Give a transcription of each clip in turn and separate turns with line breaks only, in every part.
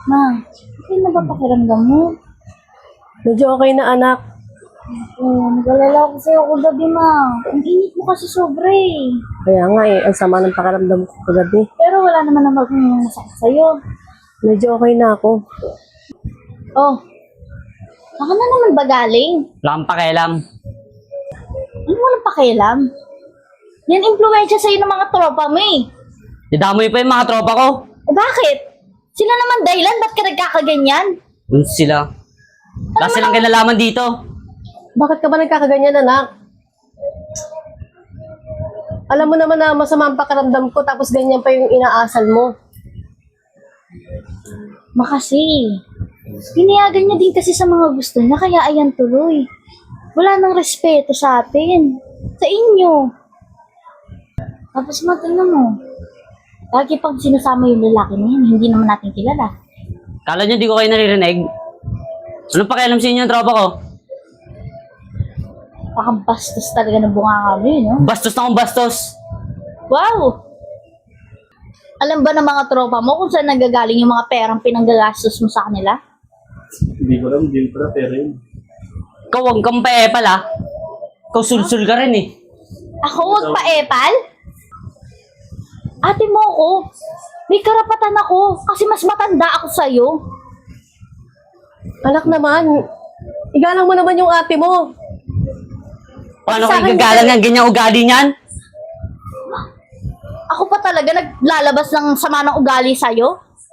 Ma, okay na ba pakiramdam mo?
Medyo okay na, anak.
Nag-alala ko sa'yo kagabi, ma. Ang init mo kasi sobra eh.
Kaya nga ang sama ng pakiramdam ko kagabi.
Pero wala naman na masakit sa'yo.
Medyo okay na ako.
Oh, saka na naman ba galing?
Wala kang pakialam.
Ano walang pakialam? Yan impluensya sa'yo ng mga tropa mo eh.
Dadamoy pa yung mga tropa ko.
Eh bakit? Sila naman dahilan, ba't ka nagkakaganyan?
Yun sila. Wala silang kinalaman dito.
Bakit ka ba nagkakaganyan, anak? Alam mo naman na masama ang pakiramdam ko tapos ganyan pa yung inaasal mo.
Makasi. Pinayagan niya din kasi sa mga gusto niya, kaya ayan tuloy. Wala nang respeto sa atin. Sa inyo. Tapos tingnan mo. Lagi pag sinasama yung lalaki na yun, hindi naman natin kilala.
Kala nyo di ko kayo naririnig? Anong pakialam sa inyo yung tropa ko?
Pakabastos talaga ng bunga kami, no?
Bastos na akong bastos.
Wow! Alam ba ng mga tropa mo kung saan nagagaling yung mga perang pinanggagastos mo sa kanila?
Hindi ko alam, hindi ko na pera yun.
Ikaw huwag kang paepal ha. Ikaw sulsul ka rin eh.
Ako wag pa epal? Ate mo ako. May karapatan ako kasi mas matanda ako sa'yo.
Anak naman, igalang mo naman yung ate mo.
Paano
Sa
kayo
akin
gagalang ng ganyang ugali niyan?
Ako pa talaga naglalabas ng sama ng ugali sa'yo.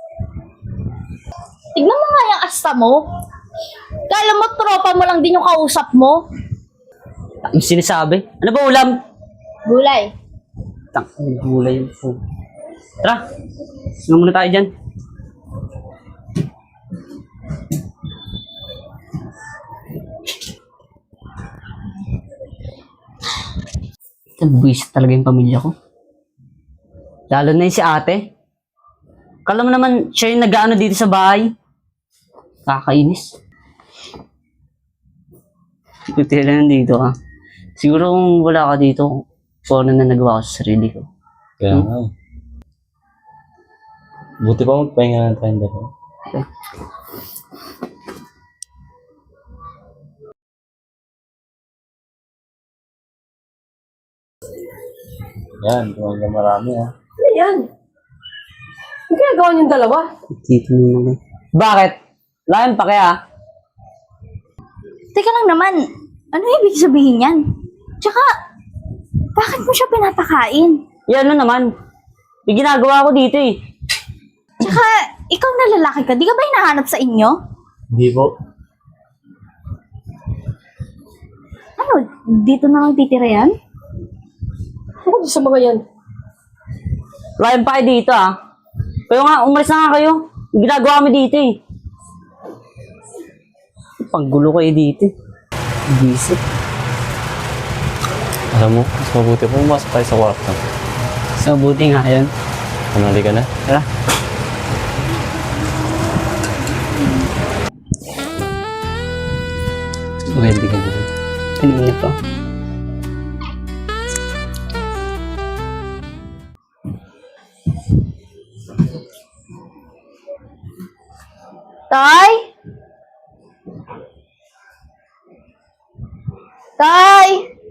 Tignan mo nga yung asta mo. Kala mo tropa mo lang din yung kausap mo.
Ang sinasabi. Ano ba ulam?
Gulay.
Gulay yung food. Tara, sino muna tayo dyan? Buwis talaga yung pamilya ko. Lalo na yung si ate. Kala mo naman siya yung nag-ano dito sa bahay. Kakainis. Buti lang dito ha. Siguro kung wala ka dito, kung ano na nagawa ko sa sarili ko.
Kaya nga eh. Buti pa magpahinga na tayong dalawa. Yan, tumangga marami ha.
Ayan. Ang ginagawa niyong dalawa?
Dito naman. Bakit? Wala pa kaya?
Teka lang naman, ano ibig sabihin yan? Tsaka, bakit mo siya pinapakain?
Yan ano naman. May ginagawa ko dito eh.
Tsaka, ikaw na lalaki ka, di ka ba hinahanap sa inyo?
Hindi po.
Ano, dito na lang titira yan?
Ano sa mga yan?
Wala pa kayo dito ah. Kayo nga, umalis na nga kayo. May ginagawa kami dito eh. Panggulo kayo dito eh. Bisip.
Alam mo, mas mabuti po pumasok tayo sa kwarto.
So, buti nga yun.
Manali ka na.
Tara. Pwede ka dito. Kanina pa.
Tay? Tay?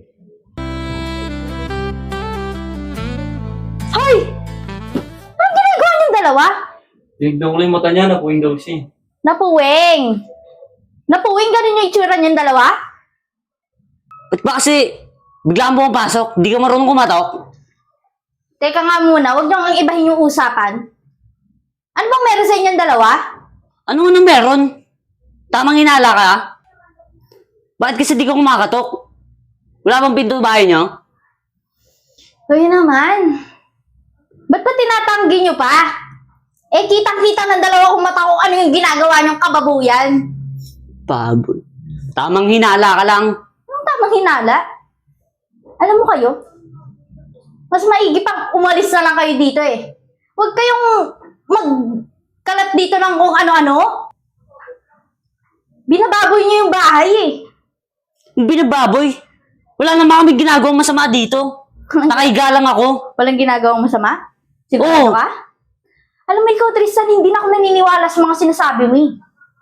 Hoy! Anong ginagawa niyong dalawa?
Tignan ko lang yung mata niya, napuwing daw siya.
Napuwing! Napuwing ganun yung itsura niyong dalawa?
Ba't ba kasi bigla kang pumapasok? Di ka marunong kumatok?
Teka nga muna, huwag niyong ibahin yung usapan. Ano bang meron sa inyong dalawa?
Ano nang meron? Tamang hinala ka? Bakit kasi di ka kumakatok? Wala bang pinto bahay niyo?
Kaya naman. Ba't ba tinatanggi niyo pa? Eh, kitang-kita ng dalawa kung mata kung ano yung ginagawa niyong kababuyan.
Baboy. Tamang hinala ka lang.
Anong tamang hinala? Alam mo kayo, mas maigi pang umalis na lang kayo dito eh. Huwag kayong magkalat dito ng kung ano-ano. Binababoy niyo yung bahay eh.
Binababoy. Wala naman kami ginagawang masama dito. Nakahiga lang ako.
Walang ginagawang masama? Sigurado
Oo.
ka? Alam mo ikaw, Tristan, hindi na ako naniniwala sa mga sinasabi mo eh.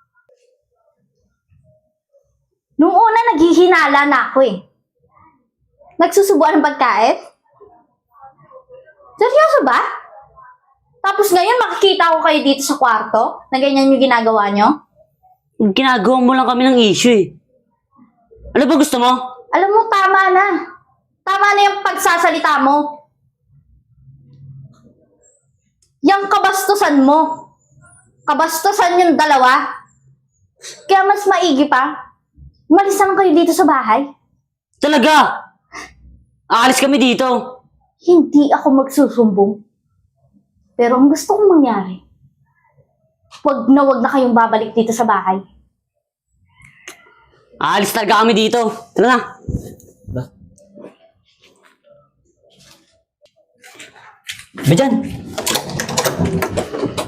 Nung una, naghihinala na ako eh. Nagsusubuan ng pagkain? Seryoso ba? Tapos ngayon, makikita ko kayo dito sa kwarto na ganyan yung ginagawa nyo?
Ginagawa mo lang kami ng issue eh. Ano ba gusto mo?
Alam mo, tama na. Tama na yung pagsasalita mo. Yang kabastusan mo. Kabastusan yung dalawa. Kaya mas maigi pa, umalis lang kayo dito sa bahay.
Talaga? Aalis kami dito.
Hindi ako magsusumbong. Pero ang gusto kong mangyari, wag na kayong babalik dito sa bahay.
Aalis talaga kami dito. Tara na. Ba dyan?